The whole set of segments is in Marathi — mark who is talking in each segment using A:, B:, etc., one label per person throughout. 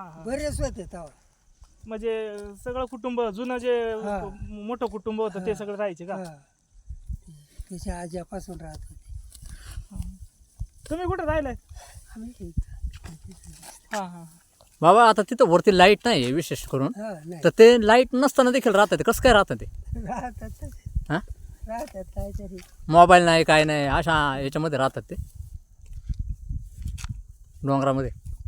A: बरेच होते तेव्हा.
B: म्हणजे सगळं कुटुंब जुनं जे
A: हा.
B: मोठं कुटुंब होतं ते सगळं राहायचे का?
A: हा. त्याच्या आज्यापासून राहत होते
B: तुम्ही कुठे राहिलाय?
A: आम्ही
B: हा हा.
C: बाबा आता तिथं वरती लाईट नाही आहे विशेष करून,
A: नाही
C: तर ते लाईट नसताना देखील राहतात ते कसं काय राहतात ते?
A: राहतात
C: हां,
A: राहतात काहीतरी.
C: मोबाईल नाही काय नाही अशा याच्यामध्ये राहतात ते डोंगरामध्ये.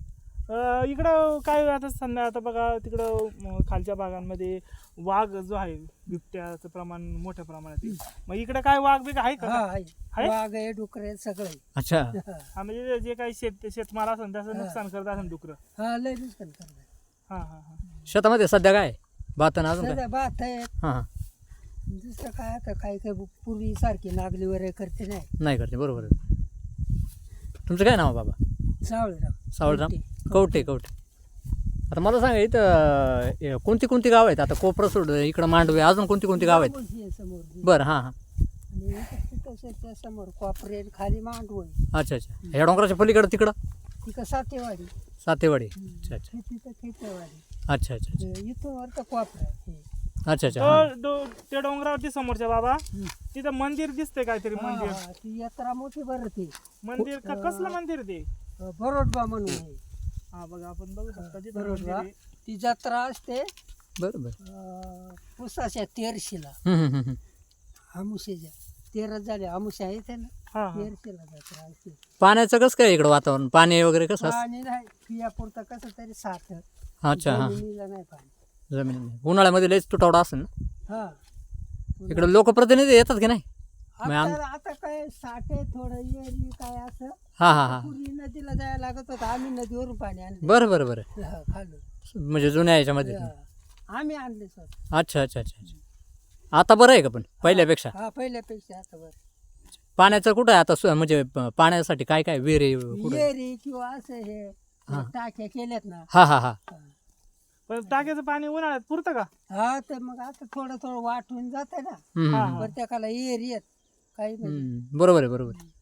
B: इकडं काय आता संध्या आता बघा तिकडं खालच्या भागांमध्ये वाघ जो आहे बिबट्याचं प्रमाण मोठ्या प्रमाणात आहे. मग इकडे काय वाघ बिघ आहे का?
A: हा आहे.
B: आहे?
A: वाघ आहे, डुकर आहे, सगळं आहे.
C: अच्छा,
B: हा म्हणजे जे काही शेतमाल असेल त्याचं नुकसान करत असेल डुकरं.
A: हा लय नुकसान करतात.
B: हा हा हा.
C: शेतामध्ये सध्या काय बातन अजून काय?
A: सध्या बात आहे.
C: हां हां,
A: दुसरं काय आता काय काय पूर्वी सारखी नागली वगैरे करते नाही.
C: नाही करते, बरोबर आहे. तुमचं काय नाव आहे बाबा?
A: सावळराव
C: सावळराम कवटे. आता मला सांगा इथं कोणती कोणती गाव आहेत? आता कोपरा सोड इकडं मांडवे, अजून कोणती कोणती गाव आहेत?
A: मांडवशी आहे समोर.
C: बरं, हां हां,
A: आणि इकडं त्या समोर कोपरे खाली मांडव आहे.
C: अच्छा अच्छा. ह्या डोंगराच्या पलीकडं तिकडं
A: तिकडं सातेवाडी.
C: सातेवाडी. अच्छा अच्छा
A: तिथं खेतेवाडी.
C: अच्छा अच्छा अच्छा
A: इथून वर तर कोपरा आहे.
C: अच्छा अच्छा. हां.
B: त्या डोंगरावरती समोरच्या बाबा तिथं मंदिर दिसतंय काहीतरी मंदिर.
A: हा, ती यात्रा मोठी भरते.
B: मंदिर का कसलं मंदिर ते?
A: बरोडबा म्हणून आहे.
B: हा बघा आपण बघू शकता तिथं मंदिर
A: बरोडबा
B: आहे.
A: ती जत्रा असते
C: बरं बरं.
A: पुसाच्या 13शीला. आमुष्याच्या 13 झाले. आमुष्या आहेत ना,
B: हा हा.
A: 13शीला जत्रा असते.
C: पाण्याचं कसं काय इकडं वातावरण? पाणी वगैरे कसं असतं?
A: पाणी नाही पियापुरतं कसं तरी साठ.
C: अच्छा, हां.
A: जमिनीला नाही पाणी.
C: जमीन उन्हाळ्यामध्ये लयच तुटवडा असेल ना
A: हा
C: इकडे? लोकप्रतिनिधी येतात की नाही? मग
A: आता काय साठ आहे थोडं येरी काय असं.
C: हां हां हां,
A: पूर्वी नदीला जायला लागत होतं. आम्ही नदीवरून पाणी आणले.
C: बरं बरं बरं.
A: खालून
C: म्हणजे जुन्या याच्यामध्ये.
A: आम्ही आणले सर.
C: अच्छा अच्छा अच्छा अच्छा. आता बरं आहे का पण पहिल्यापेक्षा?
A: हा पहिल्यापेक्षा आता बरं.
C: पाण्याचं कुठं आहे आता म्हणजे पाण्यासाठी काय काय विहिरी कुठं?
A: येरी किंवा असं हे टाक्या केल्यात ना.
C: हां हां हां,
B: पण टाक्याचं पाणी उन्हाळ्यात पुरतं का?
A: हा तर मग आता थोडं थोडं वाटून जात ना.
C: हम्म,
A: प्रत्येकाला येरी येत काही नाही.
C: बरोबर आहे बरोबर आहे.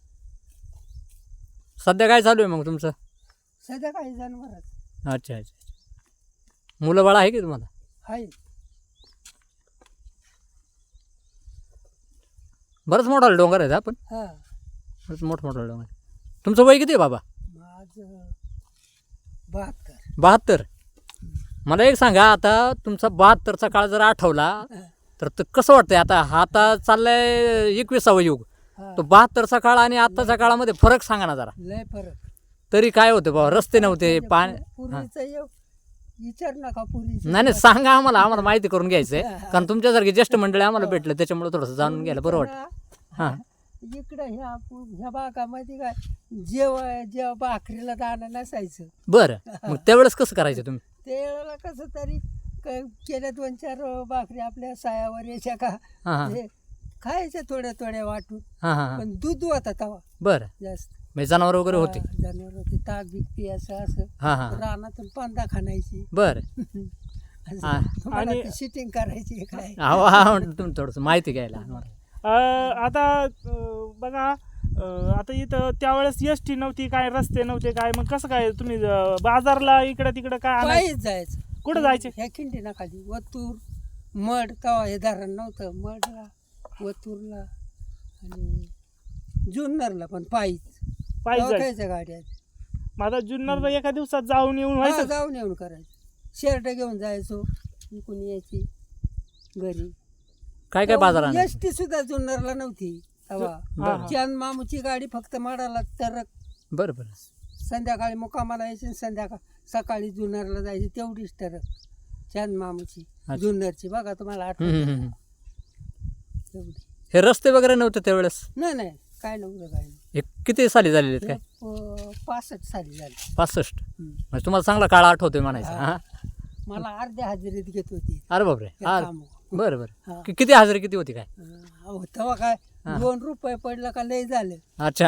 C: सध्या काय चालू आहे मग तुमचं?
A: सध्या काही जनावरच
C: अच्छा अच्छा अच्छा. मुलं बाळ आहे की तुम्हाला?
A: आहे.
C: बरंच मोठा डोंगर आहे आपण,
A: हा
C: बरंच मोठा डोंगर आहे. तुमचं वय किती आहे बाबा?
A: माझं 72.
C: 72. मला एक सांगा, आता तुमचा 72चा काळ जर आठवला तर कसं वाटतंय? आता चाललाय 21वा युग,
A: हा
C: तो 72चा काळ आणि आत्ताच्या काळामध्ये फरक सांगा ना जरा.
A: लय फरक.
C: तरी काय होतं बाबा? रस्ते नव्हते, पाणी.
A: पूर्वीचं विचार नका पूर्वीचं.
C: नाही सांगा आम्हाला माहिती करून घ्यायचंय, कारण तुमच्यासारखी ज्येष्ठ मंडळी आम्हाला भेटलं त्याच्यामुळे थोडंसं जाणून घ्यायला बरं वाटतं. हां,
A: इकडं ह्या भागामध्ये काय जेव्हा भाकरीला दाणं नसायचं.
C: बरं. मग त्यावेळेस कसं करायचं तुम्ही?
A: त्यावेळेला कसं तरी केल्या 2-4 भाकरी आपल्या सायावर यायच्या का
C: हां हां
A: हे खायच्या थोड्या थोड्या वाटून.
C: हां हां.
A: पण दूध होता तवा
C: बरं.
A: जास्त.
C: म्हणजे जनावर वगैरे होते?
A: जनावर होते. ताक बीक पियाचं असं.
C: हां हां.
A: रानातून पांदा खाणायची.
C: बरं.
A: तुम्हाला शिटिंग करायची काय.
C: हा, तुम्ही थोडंसं माहिती घ्यायला.
B: आता बघा आता इथं त्यावेळेस एसटी नव्हती, काय रस्ते नव्हते, काय मग कसं काय तुम्ही बाजारला इकडं तिकडं काय आणायचं?
A: पायीच जायचं.
B: कुठं जायचे?
A: ह्या खिंडीना खाली वतूर मड तवा हे धरण नव्हतं. मडला वतूरला आणि जुन्नरला पण पायीच.
B: पायी जायचं.
A: खायच्या गाड्या
B: माझा जुन्नरला एका दिवसात जाऊन येऊन व्हायचं.
A: जाऊन येऊन करायचं. शर्ट घेऊन जायचो. इकडून यायची घरी.
C: काय बाजार आणायचं?
A: एसटी सुद्धा जुन्नरला नव्हती तेव्हा. चांद मामूची गाडी फक्त माडाला तर
C: बरं बरं.
A: संध्याकाळी मुक्कामाला यायची आणि सकाळी जुन्नरला जायची. तेवढीच टरक चांद मामूची जुन्नरची. बघा तुम्हाला आठवण तेवढी.
C: हे रस्ते वगैरे नव्हते त्यावेळेस?
A: नाही काय नव्हतं काय नाही.
C: हे किती साली झालेले आहेत काय?
A: 65 साली झाली.
C: 65. म्हणजे तुम्हाला चांगला काळ आठवतोय म्हणायचं. हां,
A: मला अर्ध्या हजेरीत घेत होती.
C: अरे बापरे.
A: कामं.
C: बरं बरं. किती हजेरी किती होती काय?
A: तेव्हा काय 2 रुपये पडलं का लय झालं.
C: अच्छा.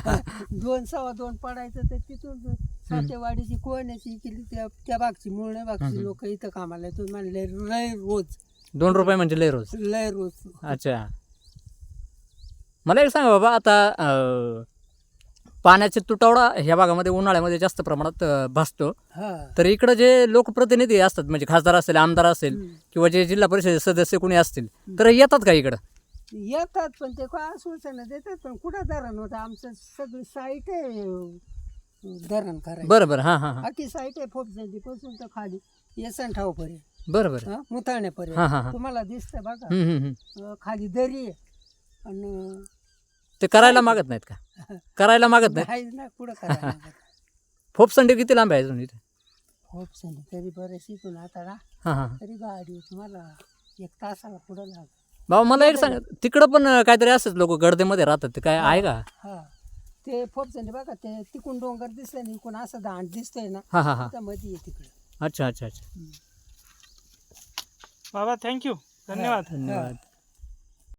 A: 2 2.25 पडायचं. तर तिथून सातेवाडीची कोण्याची केली त्या भागची मुळे भागची लोक इथं कामाला येतो. म्हणले लय रोज
C: 2 रुपये म्हणजे लय रोज.
A: लय रोज.
C: अच्छा. मला एक सांगा बाबा, आता पाण्याचा तुटवडा ह्या भागामध्ये उन्हाळ्यामध्ये जास्त प्रमाणात भासतो.
A: हा
C: तर इकडं जे लोकप्रतिनिधी असतात म्हणजे खासदार असेल, आमदार असेल किंवा जे जिल्हा परिषद सदस्य कोणी असतील तर येतात का इकडं?
A: येतात पण ते काय सूचना देतात पण कुठं धरण होतं आमचं सगळी साईट आहे धरण करायचं.
C: बरं बरं हां हां हां
A: अख्खी साईट आहे फोपसंडी पासून तर खाली येसनठावपर्यंत
C: बरं बरं
A: मुताण्यापर्यंत
C: हां, हां, हां.
A: तुम्हाला दिसतंय बघा.
C: हम्म, हम्म, हम्म.
A: खाली दरी आहे आणि
C: ते करायला मागत नाहीत का? करायला मागत नाहीत.
A: नाहीच ना कुठं करायला लागत.
C: फोपसंडी किती लांब आहे अजून इथे?
A: फोपसंडी तरी बरं शिकून आता ना
C: हां हां
A: तरी गाडी तुम्हाला 1 तासाला पुढं लागत.
C: बाबा मला एक सांग, तिकडं पण काहीतरी असंच लोक गर्दीमध्ये राहतात, ते काय आहे का?
A: हा ते फोपसंडी बघा ते तिकून डोंगर दिसतंय ना इकडून असं दांड दिसतंय ना
C: हां हां हां
A: त्या मध्ये आहे तिकडे.
C: अच्छा अच्छा अच्छा
B: बाबा थँक्यू, धन्यवाद.
C: धन्यवाद.